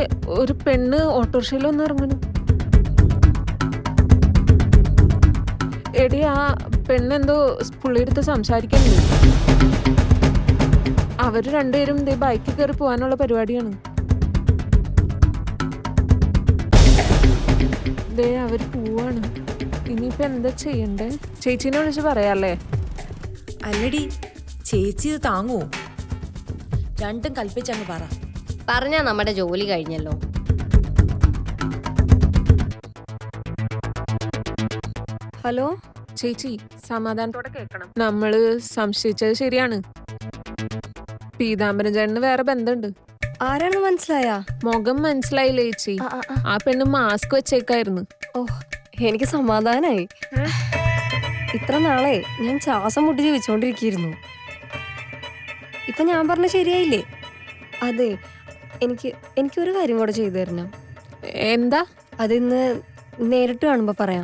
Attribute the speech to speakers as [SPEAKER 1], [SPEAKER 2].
[SPEAKER 1] ഒരു പെണ്ണ് ഓട്ടോറിക്ഷയിൽ ഒന്ന് ഇറങ്ങണു. എടി, ആ പെണ്ണെന്തോ പുള്ളിയെടുത്ത് സംസാരിക്കുന്നുണ്ട്. അവര് രണ്ടുപേരും ബൈക്കിൽ കയറി പോകാനുള്ള പരിപാടിയാണ്. അവര് പോവാണ്. ഇനിയിപ്പോ എന്താ ചെയ്യണ്ടേ? ചേച്ചീനെ വിളിച്ച് പറയാല്ലേ?
[SPEAKER 2] അല്ലടി, ചേച്ചി ഇത് താങ്ങുവോ? രണ്ടും കൽപ്പിച്ചങ്ങ് പറ.
[SPEAKER 3] പറഞ്ഞാ നമ്മുടെ ജോലി കഴിഞ്ഞല്ലോ.
[SPEAKER 1] ഹലോ ചേച്ചി, സമാധാനത്തോടെ കേൾക്കണം. നമ്മള് സംശയിച്ചത് ശരിയാണ്. പീതാംബരൻ ചേട്ടന് വേറെ ബന്ധമുണ്ട്.
[SPEAKER 4] ആരാണെന്ന് മനസ്സിലായാ?
[SPEAKER 1] മുഖം മനസ്സിലായില്ലേ ചേച്ചി? ആ പെണ്ണ് മാസ്ക് വെച്ചേക്കായിരുന്നു.
[SPEAKER 4] ഓ, എനിക്ക് സമാധാനായി. ഇത്ര നാളെ ഞാൻ ശ്വാസം മുട്ടി ജീവിച്ചോണ്ടിരിക്കുന്നു. ഇപ്പൊ ഞാൻ പറഞ്ഞ ശരിയായില്ലേ? അതെ, എനിക്കൊരു കാര്യം കൂടെ ചെയ്തു തരണം.
[SPEAKER 1] എന്താ?
[SPEAKER 4] അതിന്ന് നേരിട്ട് കാണുമ്പോ പറയാം.